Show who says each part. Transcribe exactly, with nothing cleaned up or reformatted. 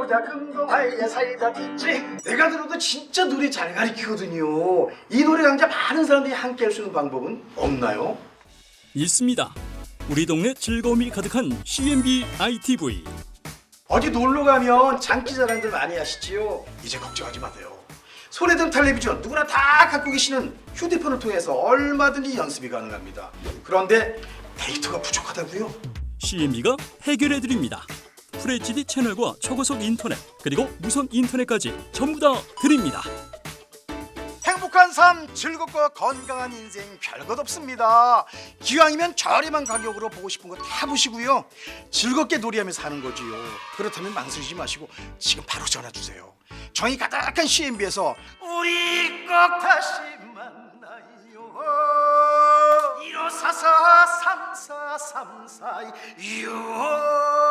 Speaker 1: 보자 금동아이의 사이다 있지. 내가 들어도 진짜 노래 잘 가르치거든요. 이 노래 강좌 많은 사람들이 함께 할 수 있는 방법은 없나요?
Speaker 2: 있습니다. 우리 동네 즐거움이 가득한 씨엠비 아이티브이.
Speaker 1: 어디 놀러 가면 장기 자랑들 많이 하시지요. 이제 걱정하지 마세요. 손에든 텔레비전 누구나 다 갖고 계시는 휴대폰을 통해서 얼마든지 연습이 가능합니다. 그런데 데이터가 부족하다고요?
Speaker 2: 씨엠비가 해결해 드립니다. 풀에이치디 채널과 초고속 인터넷 그리고 무선 인터넷까지 전부 다 드립니다.
Speaker 1: 행복한 삶, 즐겁고 건강한 인생 별것 없습니다. 기왕이면 저렴한 가격으로 보고 싶은 거 다 보시고요. 즐겁게 놀이하며 사는 거지요. 그렇다면 망설이지 마시고 지금 바로 전화 주세요. 정이 가득한 씨엠비에서 우리 꼭 다시 만나요. 일오사사 삼사삼사 육